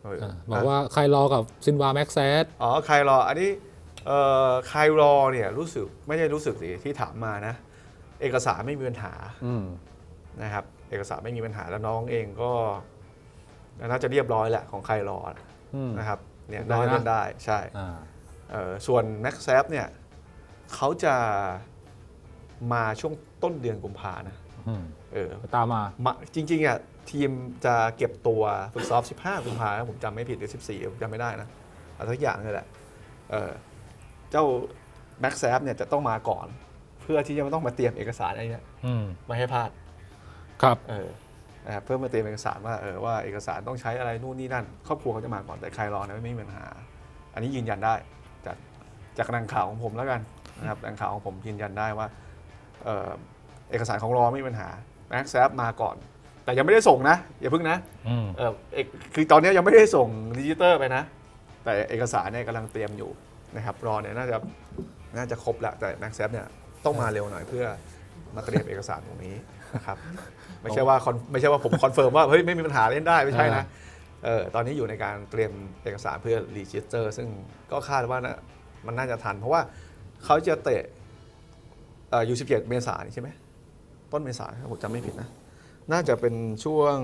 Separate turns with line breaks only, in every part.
บอกว่าใครรอกับซินวาแม็กแซด
ใครรออันนี้ใครรอเนี่ยรู้สึกไม่ได้รู้สึกสิที่ถามมานะเอกสารไม่มีปัญหานะครับเอกสารไม่มีปัญหาแล้วน้องเองก็น่าจะเรียบร้อยแหละของใครรอนะครับเนี่ยได้เล่นได้ใช่ส่วนแม็กแซฟเนี่ยเขาจะมาช่วงต้นเดือนกุมภานะ
ตามมา
จริงๆอ่ะทีมจะเก็บตัวฝึกซ้อม15กุมภาพันธ์ผมจำไม่ผิดหรือ14ผมจำไม่ได้นะอะไรสักอย่างนี่แหละเจ้าแม็กแซฟเนี่ยจะต้องมาก่อนเพื่อที่จะไม่ต้องมาเตรียมเอกสารอะไรเนี่ยไม่ให้พลาด
ครับ
นะครับเพื่อมาเตรียมเอกสารว่าเอกสารต้องใช้อะไรนู่นนี่นั่นครอบครัวเขาจะมาก่อนแต่ใครรอเนี่ยไม่มีปัญหาอันนี้ยืนยันได้จากแหล่งข่าวของผมแล้วกันนะครับแหล่งข่าวของผมยืนยันได้ว่าเอกสารของรอไม่มีปัญหาแม็กแซฟมาก่อนแต่ยังไม่ได้ส่งนะอย่าพึ่งนะคือตอนนี้ยังไม่ได้ส่งดิจิเตอร์ไปนะแต่เอกสารเนี่ยกำลังเตรียมอยู่นะครับรอเนี่ยน่าจะครบแล้วแต่แม็กแซฟเนี่ยต้องมาเร็วหน่อยเพื่อมาเตรียมเอกสารตรงนี้นะครับไม่ใช่ว่าผมคอนเฟิร์มว่าเฮ้ยไม่มีปัญหาเล่นได้ไม่ใช่นะตอนนี้อยู่ในการเตรียมเอกสารเพื่อรีจิสเตอร์ซึ่งก็คาดว่ามันน่าจะทันเพราะว่าเขาจะเตะU17 เมษายนใช่ไหมต้นเมษายนผมจำไม่ผิดนะน่าจะเป็นช่วง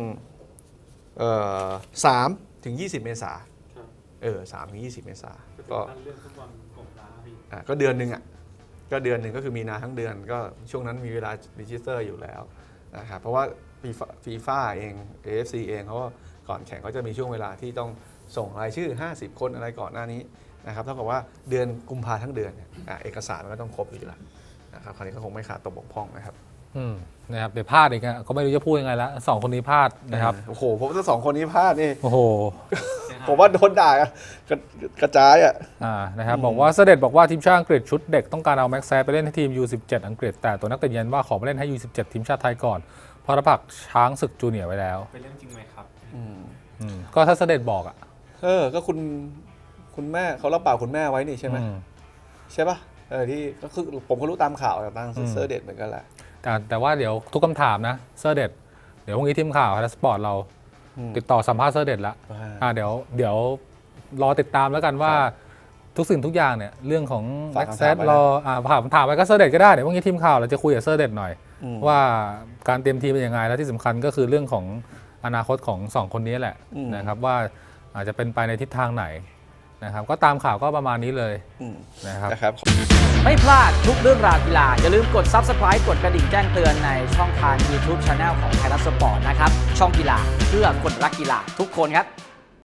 3 ถึง 20 เมษายน3 ถึง 20 เมษายนก็เดือนหนึ่งก็เดือนหนึ่งก็คือมีนาทั้งเดือนก็ช่วงนั้นมีเวลารีจิสเตอร์อยู่แล้วนะครับเพราะว่าฟีฟ่าเอง AFC เองเขาก็ก่อนแข่งเขาจะมีช่วงเวลาที่ต้องส่งรายชื่อ50 คนอะไรก่อนหน้านี้นะครับเท่ากับว่าเดือนกุมภาทั้งเดือนเอกสารมันก็ต้องครบอยู่แล้วนะครับคราวนี้ก็คงไม่ขาดตกบกพร่องนะครับ
นะครับเดี๋ยวพลาดอีกก็ไม่รู้จะพูดยังไงแล้ว2 คนนี้พลาดนะครับ
โอ้โหผมว่า2 คนนี้พลาดนี่
โอ้โห
ผมว่าโดนด่ากระจาย
นะครับบอกว่าเสด็จบอกว่าทีมชาติอังกฤษชุดเด็กต้องการเอาแม็กแซฟไปเล่นให้ทีม U17 อังกฤษแต่ตัวนักเตะยืนว่าขอไปเล่นให้ U17 ทีมชาติไทยก่อนเพราะรับปากช้างศึกจูเนียร์ไว้แล้ว
เป็นเรื่องจริงไหมครับ
ก็ถ้าเสด็จบอก
ก็คุณแม่เขารับปากคุณแม่ไว้นี่ใช่ไหมใช่ป่ะที่ก็คือผมก็รู้ตามข่าวจากทางเซอร์เด็ดเหมือนกันแหละ
แต่ว่าเดี๋ยวทุกคำถามนะเซอร์เด็ดเดี๋ยวพรุ่งนี้ทีมข่าวไทยสปอร์ตเราติดต่อสัมภาษณ์เซอร์เด็ดแล้วเดี๋ยวรอติดตามแล้วกันว่าทุกสิ่งทุกอย่างเนี่ยเรื่องของแม็กแซดรอถามไปก็เซอร์เด็ดก็ได้เดี๋ยวพรุ่งนี้ทีมข่าวเราจะคุยกับเซอร์เด็ดหน่อยว่าการเตรียมทีมเป็นยังไงและที่สำคัญก็คือเรื่องของอนาคตของ2 คนนี้แหละนะครับว่าอาจจะเป็นไปในทิศทางไหนนะครับก็ตามข่าวก็ประมาณนี้เลย
นะครับ
ไม่พลาดทุกเรื่องราวกีฬาอย่าลืมกด Subscribe กดกระดิ่งแจ้งเตือนในช่องทาง YouTube Channel ของไทยรัฐสปอร์ตนะครับช่องกีฬาเพื่อคนรักกีฬาทุกคนครับ